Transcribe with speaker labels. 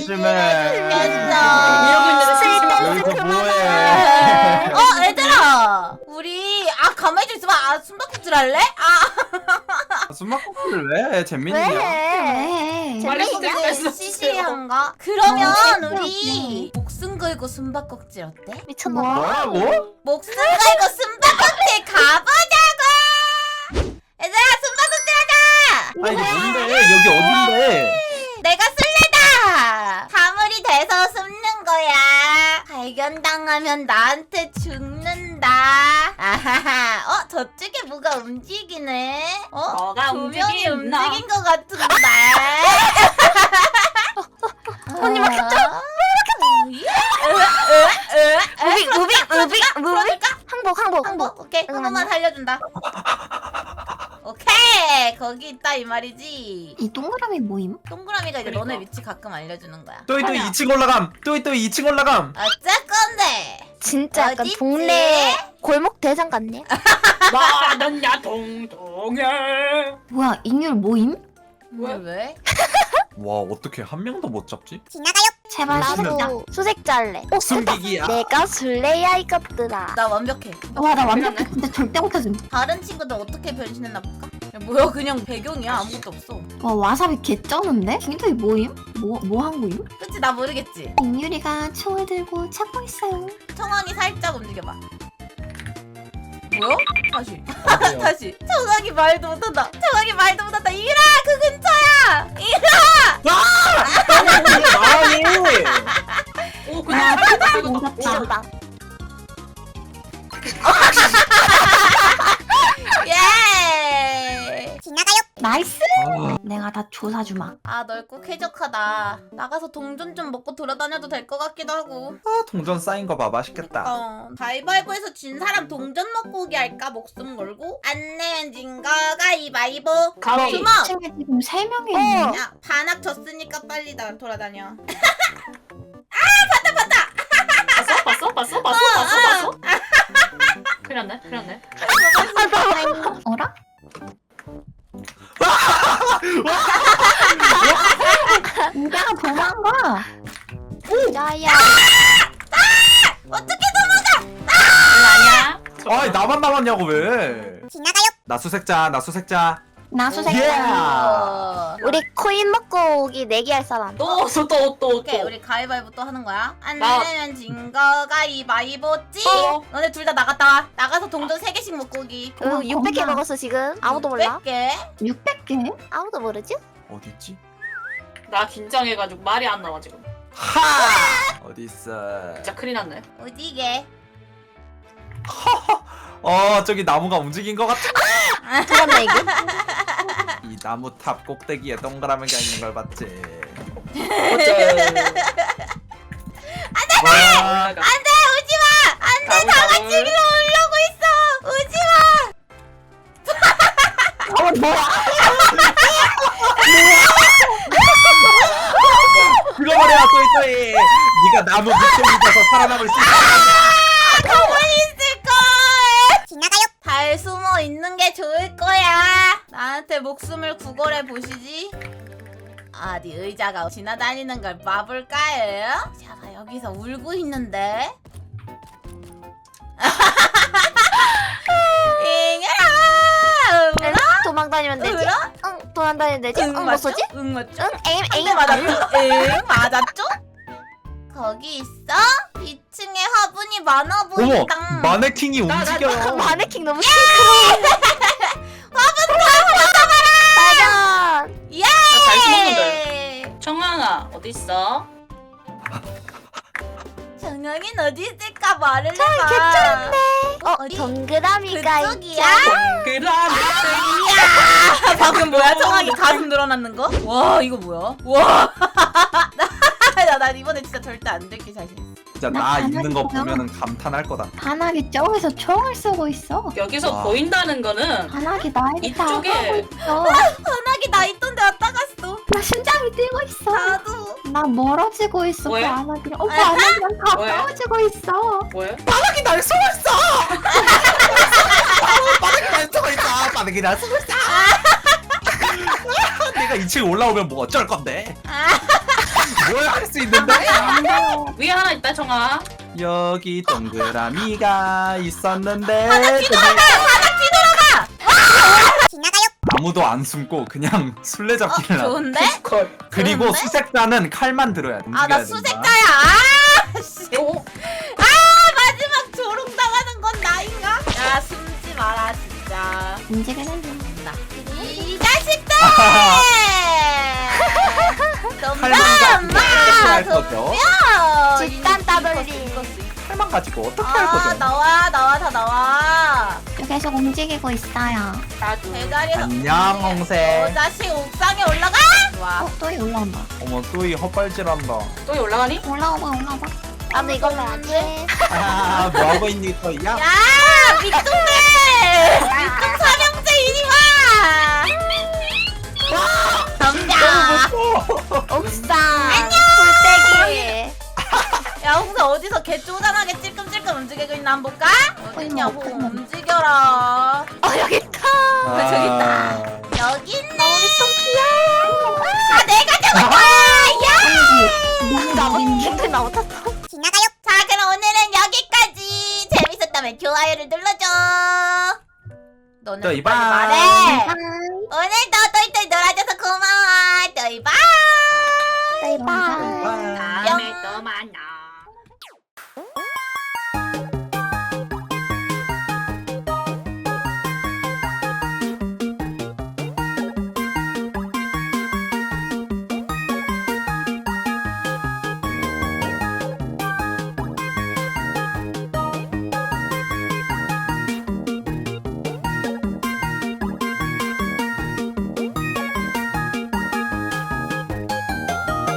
Speaker 1: 심심해.
Speaker 2: 이러고 있는데
Speaker 1: 여기서 뭐해?
Speaker 3: 얘들아, 우리 가만히 좀 있어봐. 숨바꼭질 할래?
Speaker 1: 숨바꼭질 왜? 재민이야.
Speaker 4: 왜?
Speaker 2: 빨리
Speaker 3: 재밌게
Speaker 2: 뺐어,
Speaker 3: 시시한가? 그러면
Speaker 4: 재밌게
Speaker 3: 우리 목숨 걸고 숨바꼭질 어때?
Speaker 4: 미쳤나?
Speaker 1: 뭐라고?
Speaker 3: 목숨 걸고 숨바꼭질 가보자고! 얘들아, 숨바꼭질 하자!
Speaker 1: 아 이게 뭔데? 여기 어딘데?
Speaker 3: 내가 술래다! 사물이 돼서 숨는 거야. 발견당하면 나한테 죽는다. 아하하. 저쪽에 뭐가 움직이네?
Speaker 2: 뭐가
Speaker 3: 조명이
Speaker 2: 움직이나?
Speaker 3: 움직인 것 같은데?
Speaker 4: 언니 막혔죠? 무빙 항복
Speaker 3: 오케이, 한 번만 살려준다. 오케이, 거기 있다 이 말이지.
Speaker 4: 이 동그라미 모임?
Speaker 3: 동그라미가 이제 너네
Speaker 2: 그러니까.
Speaker 3: 위치 가끔 알려주는 거야.
Speaker 1: 또이 2층 올라감. 또이 2층 올라감.
Speaker 3: 어쩔 건데?
Speaker 4: 진짜 약간
Speaker 3: 어딨지?
Speaker 4: 동네 골목 대장 같네.
Speaker 2: 나는 야동동해.
Speaker 4: 뭐야 인율 모임?
Speaker 3: 왜?
Speaker 1: 와 어떻게 한 명도 못 잡지?
Speaker 4: 제발
Speaker 1: 나도
Speaker 4: 수색자 할래.
Speaker 1: 숨기기야.
Speaker 4: 내가 술래야 이것들아.
Speaker 3: 나 완벽해.
Speaker 4: 와 나
Speaker 2: 완벽해.
Speaker 4: 근데 절대 못하줌.
Speaker 3: 다른 친구들 어떻게 변신했나 볼까? 야, 뭐야, 그냥 배경이야. 아무것도 없어.
Speaker 4: 와 와사비 개쩌는데? 굉장히 모임? 뭐 한 모임?
Speaker 3: 그치, 나 모르겠지?
Speaker 4: 인율이가 총을 들고 찾고 있어요.
Speaker 3: 청왕이 살짝 움직여봐. 뭐야? 다시.
Speaker 1: 어때요?
Speaker 3: 다시. 청왕이 말도 못한다. 청왕이 말도 못한다. 이라, 그 근처야. 이라.
Speaker 1: 아니.
Speaker 2: 오 그냥
Speaker 4: 오졌다.
Speaker 3: 예.
Speaker 4: 나이스.
Speaker 1: 아,
Speaker 4: 내가 다 조사 주마.
Speaker 3: 넓고 쾌적하다. 나가서 동전 좀 먹고 돌아다녀도 될 것 같기도 하고.
Speaker 1: 동전 쌓인 거 봐. 맛있겠다.
Speaker 3: 가위바위보에서 진 사람 동전 먹고 오기 할까? 목숨 걸고. 안 내면 진 거 가위바위보.
Speaker 2: 가위.
Speaker 3: 주먹.
Speaker 4: 친구 지금 3명이 있네.
Speaker 3: 야, 반학 졌으니까 빨리 돌아다녀.
Speaker 2: 봤어? 큰일 났네.
Speaker 4: 어라? 우리가 도망가. 야야.
Speaker 3: 어떻게
Speaker 2: 아니야.
Speaker 1: 아니 나만 남았냐고 왜? 나 수색자.
Speaker 4: 나 수색.
Speaker 1: 예.
Speaker 4: 우리 코인 먹고 오기 내기 할 사람.
Speaker 2: 또.
Speaker 3: 오케이, 우리 가위바위보 또 하는 거야. 안
Speaker 2: 나-
Speaker 3: 내면 진 거 가위바위보 찌. 너네 둘 다 나갔다 와. 나가서 동전 3개씩 먹고 오기.
Speaker 4: 600개
Speaker 3: 어,
Speaker 4: 먹었어 지금. 아무도 몰라.
Speaker 3: 100개.
Speaker 4: 600개? 아무도 모르지?
Speaker 1: 어디 있지?
Speaker 2: 나 긴장해가지고 말이 안 나와 지금.
Speaker 1: 하! 어디 있어?
Speaker 2: 진짜 큰일 났네.
Speaker 3: 어디게?
Speaker 1: 저기 나무가 움직인 것 같아.
Speaker 4: 그런 얘기?
Speaker 1: 이 나무 탑 꼭대기에 동그라미가 있는 걸 봤지. 와,
Speaker 2: 올라가.
Speaker 3: 안돼, 오지마. 안돼, 다 같이 위로 올라오고 있어. 오지마.
Speaker 4: 뭐야?
Speaker 1: 죽어버려 또이. 네가 나무 밑에 있어서 살아남을 수 있어.
Speaker 3: 가만히 있을걸. 잘 숨어 있는 게 좋을 거야. 나한테 목숨을 구걸해 보시지. 어디 의자가 지나다니는 걸 봐볼까요? 자가 여기서 울고 있는데. 잉여라. 울어?
Speaker 4: 도망다니면 되지?
Speaker 3: 울어?
Speaker 4: 응, 도망다니면 되지? 응, 뭐
Speaker 3: 맞죠?
Speaker 4: 쏘지?
Speaker 3: 응, 맞죠?
Speaker 4: 응, 에임,
Speaker 3: 네,
Speaker 4: 에임.
Speaker 3: 맞았죠? 응, 맞았죠? 거기 있어? 2층에 화분이 많아
Speaker 1: 어머,
Speaker 3: 보인다.
Speaker 1: 마네킹이 움직여.
Speaker 4: 마네킹 너무 시끄러워. 발견.
Speaker 3: 예!
Speaker 2: 잘 숨었는데. 청아가 어디 있어?
Speaker 3: 정영이는 어디 있을까 말을 해봐.
Speaker 4: 괜찮은데.
Speaker 3: 어디?
Speaker 4: 동그라미가
Speaker 3: 그쪽이야?
Speaker 2: 그럼.
Speaker 3: 아, 방금 뭐야? 청아기 가슴 늘어났는 거? 와, 이거 뭐야? 와. 나 이번에 진짜 절대 안 들킬 자신 있어.
Speaker 1: 진짜
Speaker 4: 나
Speaker 1: 나 있는 거
Speaker 4: 반하겠구나.
Speaker 1: 보면은 감탄할 거다.
Speaker 4: 반학이 저기서 총을 쏘고 있어.
Speaker 2: 여기서
Speaker 1: 와.
Speaker 2: 보인다는 거는
Speaker 4: 반학이 나에게 다
Speaker 2: 이쪽에.
Speaker 4: 하고 있어.
Speaker 3: 전화기 나 있던데 왔다 갔어.
Speaker 4: 나 심장이 뛰고 있어.
Speaker 3: 나도.
Speaker 4: 나 멀어지고 있어.
Speaker 2: 왜?
Speaker 4: 그 안학이랑. 그 안학이랑 가까워지고 있어.
Speaker 2: 뭐야?
Speaker 1: 바닥이 날 쏘고 있어. 바닥이 날 쏘고 있어. 바닥이 날 쏘고 있어. 내가 2층 올라오면 뭐 어쩔 건데? 뭐야 할 수 있는데?
Speaker 2: 위에 하나 있다 정아.
Speaker 1: 여기 동그라미가 있었는데
Speaker 3: 바닥 뒤돌아가! 지나가요.
Speaker 1: 아무도 안 숨고 그냥 술래잡기를 하고
Speaker 3: 좋은데?
Speaker 1: 그리고
Speaker 3: 좋은데?
Speaker 1: 수색자는 칼만 들어야 돼.
Speaker 3: 아 나
Speaker 1: 움직여야 된다.
Speaker 3: 수색자야. 아 씨. 아 마지막 조롱 당하는 건 나인가? 야 숨지 마라 진짜.
Speaker 4: 움직이는 중.
Speaker 3: 이 자식들!
Speaker 1: 칼만 가지고 어떻게 할 거죠?
Speaker 4: 집단 따돌리.
Speaker 1: 칼만 가지고 어떻게 할 거죠?
Speaker 3: 나와 다 나와.
Speaker 4: 계속 움직이고 있어요.
Speaker 2: 나도.
Speaker 3: 대가리에서
Speaker 1: 안녕 홍세.
Speaker 3: 자식 옥상에 올라가. 와.
Speaker 4: 또 올라온다.
Speaker 1: 어머 또이 헛발질한다.
Speaker 2: 또 올라가니?
Speaker 4: 올라와봐. 나도 이걸로 하지.
Speaker 1: 아 뭐하고 있니 또이야?
Speaker 3: 야 밑둥대 밑둥 삼형제 이리 와. 덤벼.
Speaker 4: 옥상.
Speaker 3: 안녕.
Speaker 4: 불떼기.
Speaker 3: 야 홍세 어디서 개 쪼잔하게 찔끔찔끔 움직이고 있나 한번 볼까? 어딨냐고
Speaker 4: 어머.
Speaker 3: 움직여라.
Speaker 4: 여기 있다.
Speaker 3: 왜 저기 있다. 여기 있네.
Speaker 4: 좀 귀여워.
Speaker 3: 아 내가 잡은 거야. 야.
Speaker 4: 나못 나못했어.
Speaker 3: 지나가요. 자 그럼 오늘은 여기까지. 재밌었다면 좋아요를 눌러줘. 너는
Speaker 1: 또
Speaker 3: 빨리
Speaker 1: 이봐.
Speaker 3: 말해. 오늘도 또이또이